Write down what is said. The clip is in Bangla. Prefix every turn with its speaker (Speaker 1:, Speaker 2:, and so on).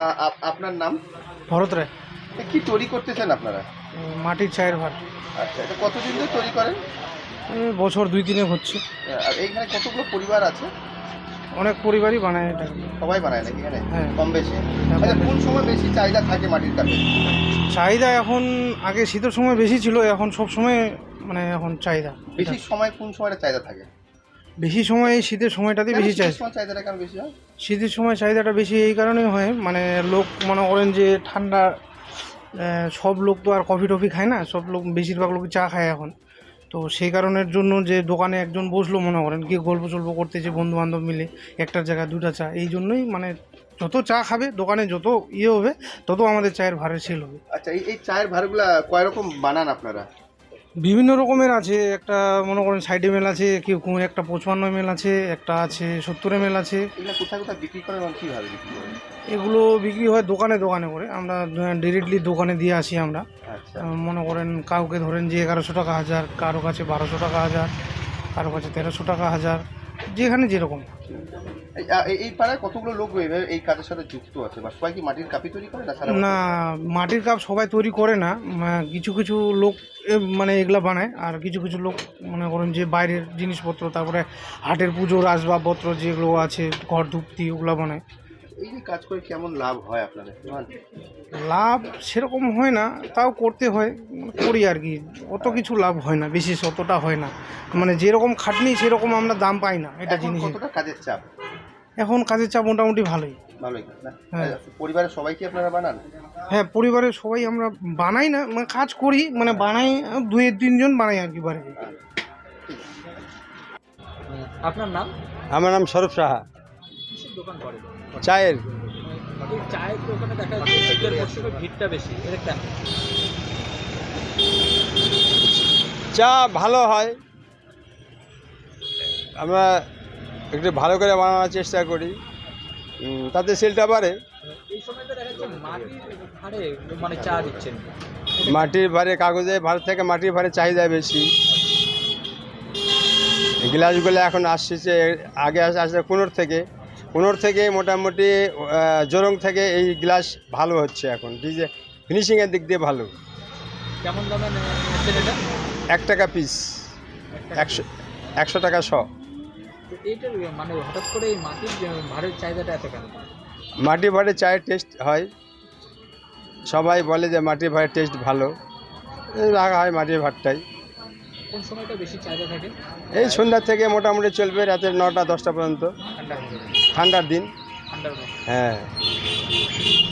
Speaker 1: আপনার নাম?
Speaker 2: ভরত রায়।
Speaker 1: কি তৈরি করতেছেন আপনারা?
Speaker 2: মাটির চায়ের ভার।
Speaker 1: আচ্ছা, এটা কতদিন ধরে তৈরি করেন?
Speaker 2: বছর 2-3 হচ্ছে।
Speaker 1: আর এইখানে কতগুলো পরিবার আছে?
Speaker 2: অনেক পরিবারই বানায় এটা।
Speaker 1: সবাই বানায় নাকি এখানে?
Speaker 2: হ্যাঁ।
Speaker 1: কম বেশি?
Speaker 2: হ্যাঁ,
Speaker 1: আচ্ছা,
Speaker 2: কম বেশি।
Speaker 1: কোন সময় বেশি চাহিদা থাকে মাটির কাপের?
Speaker 2: চাহিদা এখন আগে শীতের সময় বেশি ছিল, এখন সব সময় মানে এখন চাহিদা।
Speaker 1: বেশি সময় কোন সময়টা চাহিদা থাকে?
Speaker 2: বেশি সময় এই শীতের সময়টাতে
Speaker 1: কেন
Speaker 2: বেশি
Speaker 1: শীতের
Speaker 2: চাহিদা।
Speaker 1: সময় চাহিদাটা কেন বেশি হয়?
Speaker 2: শীতের সময় চাহিদাটা বেশি এই কারণেই হয়, মানে লোক মনে করেন যে ঠান্ডা, সব লোক তো আর কফি টফি খায় না, সব লোক বেশিরভাগ লোক চা খায় এখন। তো সেই কারণের জন্য যে দোকানে একজন বসলো, মনে করেন কি গল্প সল্প করতেছে বন্ধু বান্ধব মিলে, একটার জায়গায় 2টা চা, এই জন্যই মানে যত চা খাবে দোকানে যত হবে তত আমাদের চায়ের ভারের সেল হবে।
Speaker 1: আচ্ছা, এই চায়ের ভারগুলা কয় রকম বানান আপনারা?
Speaker 2: বিভিন্ন রকমের আছে, একটা মনে করেন 60 ml আছে, কেউ একটা 55 ml আছে, একটা আছে 70 ml আছে।
Speaker 1: এগুলা কোথায় কোথায় বিক্রি করেন এবং কীভাবে বিক্রি করেন?
Speaker 2: এগুলো বিক্রি হয় দোকানে দোকানে করে, আমরা ডিরেক্টলি দোকানে দিয়ে আসি আমরা।
Speaker 1: আচ্ছা,
Speaker 2: মনে করেন কাউকে ধরেন যে 1100 টাকা হাজার, কারো কাছে 1200 টাকা হাজার, কারো কাছে 1300 টাকা হাজার, যেখানে যেরকম।
Speaker 1: এই পাড়ায় কতগুলো লোক এইভাবে এই কাজের সাথে যুক্ত আছে, বা সবাই কি মাটির কাপি তৈরি করে না সারা বছর?
Speaker 2: না, মাটির কাপ সবাই তৈরি করে না, কিছু কিছু লোক মানে এগুলা বানায়, আর কিছু কিছু লোক মনে করেন যে বাইরের জিনিসপত্র, তারপরে হাটের পুজোর আসবাবপত্র যেগুলো আছে, ঘর ধুপতি, ওগুলো বানায়।
Speaker 1: এই যে কাজ করে কেমন লাভ হয় আপনাদের?
Speaker 2: লাভ সেরকম হয় না, তাও করতে হয়, করি আর কি। অত কিছু লাভ হয় না, বিশেষ অতটা হয় না, মানে যেরকম খাটনি সেরকম আমরা দাম পাই না এটা
Speaker 1: এখন
Speaker 2: জিনিসের।
Speaker 1: কতটা কাজের চাপ?
Speaker 2: এখন কাজের চাপ মোটামুটি ভালোই।
Speaker 1: ভালোই না?
Speaker 2: হ্যাঁ।
Speaker 1: পরিবারের সবাই কি আপনারা বানান?
Speaker 2: হ্যাঁ, পরিবারের সবাই আমরা বানাই না, মানে কাজ করি, মানে বানাই 2-3 জন বানাই আর কি বাড়িতে।
Speaker 3: আপনার নাম?
Speaker 4: আমার নাম স্বরূপ সাহা।
Speaker 3: কিসের দোকান করেন?
Speaker 4: চায়ের।
Speaker 3: এই চায়ের দোকানে দেখা যাচ্ছে শীতের মরশুমে ভিড়টা বেশি, এটা কেন?
Speaker 4: চা ভালো হয়, আমরা একটু ভালো করে বানানোর চেষ্টা করি, তাতে সেলটা বাড়ে।
Speaker 3: এই সময়টা দেখা যাচ্ছে মাটির ভাড়ে মানে চা দিচ্ছেন।
Speaker 4: মাটির ভারে, কাগজের ভার থেকে মাটির ভারে চাহিদা বেশি। গ্লাসগুলো এখন আসছে, আগে আসছে কুনোর থেকে মোটামুটি জোরং থেকে এই গ্লাস ভালো হচ্ছে এখন, ফিনিশিংয়ের দিক দিয়ে ভালো।
Speaker 3: কেমন দামে নিচ্ছেন এটা?
Speaker 4: 1 টাকা পিস, 100 টাকা 100।
Speaker 3: তো এইটার মানে হঠাৎ করে এই মাটির ভাড়ের চাহিদাটা এত কেন?
Speaker 4: মাটির ভাড়ে চায়ের টেস্ট হয়, সবাই বলে যে মাটির ভাড়ের টেস্ট ভালো, রাখা হয় মাটির ভাতটাই।
Speaker 3: কোন সময়টা বেশি চাহিদা থাকে?
Speaker 4: এই সন্ধ্যা থেকে মোটামুটি চলবে রাতের 9টা 10টা পর্যন্ত,
Speaker 3: ঠান্ডা হয়ে যাবে,
Speaker 4: ঠান্ডার দিন।
Speaker 3: ঠান্ডার মধ্যে।
Speaker 4: হ্যাঁ।